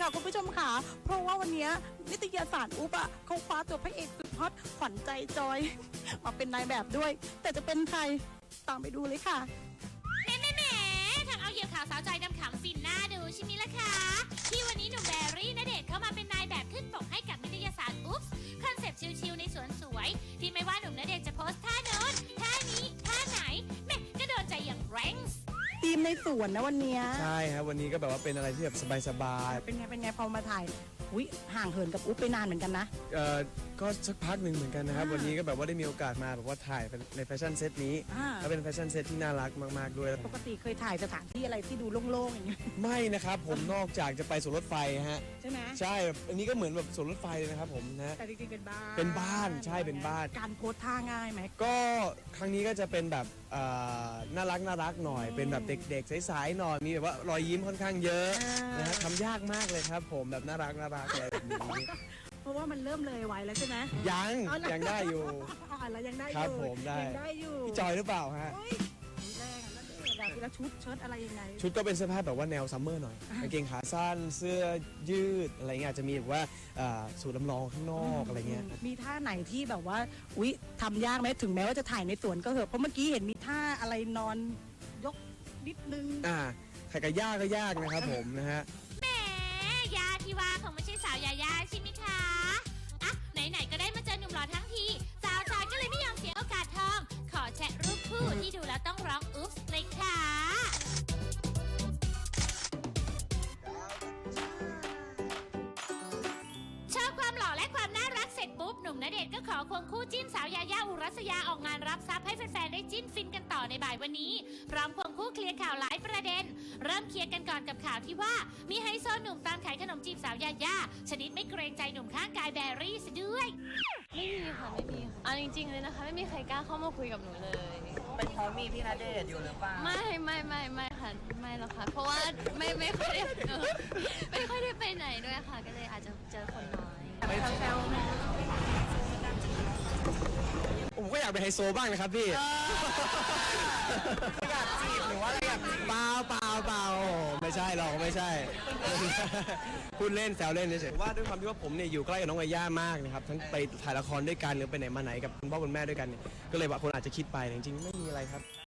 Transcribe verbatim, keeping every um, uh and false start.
ค่ะคุณผู้ชมค่ะเพราะว่าวันนี้นิตยสารอุ๊บอ่ะเขาคว้าตัวพระเอกสุดฮอตขวัญใจจอย มาเป็นนายแบบด้วย แต่จะเป็นใครตามไปดูเลยค่ะแหมแหมแหมทำเอาเหยี่ยวข่าวสาวจอยดำขำฟินหน้าดูใช่ไหมล่ะคะที่วันนี้หนุ่มแบรี่ณเดชน์เข้ามาเป็นนายแบบขึ้นปกให้กับนิตยสารอุ๊บคอนเซปต์ชิลๆในสวนสวยที่ไม่ว่าหนุ่มณเดชน์จะโพสท่าโน้นท่านี้ท่าไหนแม่ก็โดนใจอย่างแรงส์ทีมในสวนนะวันนี้ใช่ครับวันนี้ก็แบบว่าเป็นอะไรที่แบบสบายๆเป็นไงเป็นไงพอมาถ่ายอุ้ยห่างเหินกับอุ๊บไปนานเหมือนกันนะๆเอ่อก็สักพักหนึ่งเหมือนกันนะครับวันนี้ก็แบบว่าได้มีโอกาสมาแบบว่าถ่ายในแฟชั่นเซตนี้แล้วเป็นแฟชั่นเซตที่น่ารักมากๆด้วยปกติเคยถ่ายสถานที่อะไรที่ดูโล่งๆอย่างเงี้ยไม่นะครับผมนอกจากจะไปสวนรถไฟฮะใช่ไหมใช่อันนี้ก็เหมือนแบบสวนรถไฟเลยนะครับผมนะแต่จริงๆเป็นบ้านเป็นบ้านใช่เป็นบ้านการโพสท่าง่ายไหมก็ครั้งนี้ก็จะเป็นแบบน่ารักน่ารักหน่อยเป็นแบบเด็กๆใสๆหน่อยมีแบบว่ารอยยิ้มค่อนข้างเยอะนะฮะทำยากมากเลยครับผมแบบน่ารักน่ารักอะไรแบบนี้เพราะว่ามันเริ่มเลยไวแล้วใช่ไหมยังยังได้อยู่อ๋อแล้วยังได้อยู่ครับผมได้ยังได้อยู่พี่จอยหรือเปล่าฮะแรงแล้วเด็กแบบแล้วชุดเชิ้ตอะไรยังไงชุดก็เป็นเสื้อผ้าแบบว่าแนวซัมเมอร์หน่อยกางเกงขาสั้นเสื้อยืดอะไรเงี้ยอาจจะมีแบบว่าสูทลำลองข้างนอกอะไรเงี้ยมีท่าไหนที่แบบว่าอุ๊ยทำยากไหมถึงแม้ว่าจะถ่ายในสวนก็เหอะเพราะเมื่อกี้เห็นมีท่าอะไรนอนยกนิดนึงอ่าใครก็ยากก็ยากนะครับผมนะฮะแหมยาที่ว่าคงไม่ใช่สาวยายาใช่ไหมคะอ่ะไหนๆก็ได้มาเจอหนุ่มหล่อทั้งทีสาวจอยก็เลยไม่ยอมเสียโอกาสทองขอแชะรูปคู่ที่ดูแล้วต้องร้องอุ๊บเลยค่ะโชว์ความหล่อและความน่ารักเสร็จปุ๊บหนุ่มณเดชน์ก็ขอควงคู่จิ้นสาวยายาอุรัสยาออกงานรับทรัพย์ให้แฟนๆได้จิ้นฟินกันต่อในบ่ายวันนี้พร้อมควงคู่เคลียร์ข่าวหลายประเด็นเริ่มเคลียร์กันก่อนกับข่าวที่ว่ามีไฮโซหนุ่มตามขายขนมจีบสาวยายาชนิดไม่เกรงใจหนุ่มข้างกายแบรี่ซะด้วยไม่มีค่ะไม่มีค่ะเอาจริงๆเลยนะคะไม่มีใครกล้าเข้ามาคุยกับหนูเลยเป็นเพราะมีพี่ณเดชน์อยู่หรือเปล่าไม่ไม่ไม่ไม่ค่ะไม่หรอกค่ะเพราะว่าไม่ไม่ค่อยได้ไม่ค่อยได้ไปไหนด้วยค่ะก็เลยอาจจะเจอคนน้อยแซวๆไหมผมก็อยากเป็นไฮโซบ้างนะครับพี่อยากจีบหรือว่าอะไรอยากเปล่าเปล่าเปล่าไม่ใช่หรอกไม่ใช่พูดเล่นแซวเล่นเฉยๆว่าด้วยความที่ว่าผมเนี่ยอยู่ใกล้กับน้องยาย่ามากนะครับทั้งไปถ่ายละครด้วยกันหรือไปไหนมาไหนกับคุณพ่อคุณแม่ด้วยกันเนี่ยก็เลยว่าคนอาจจะคิดไปจริงๆไม่มีอะไรครับ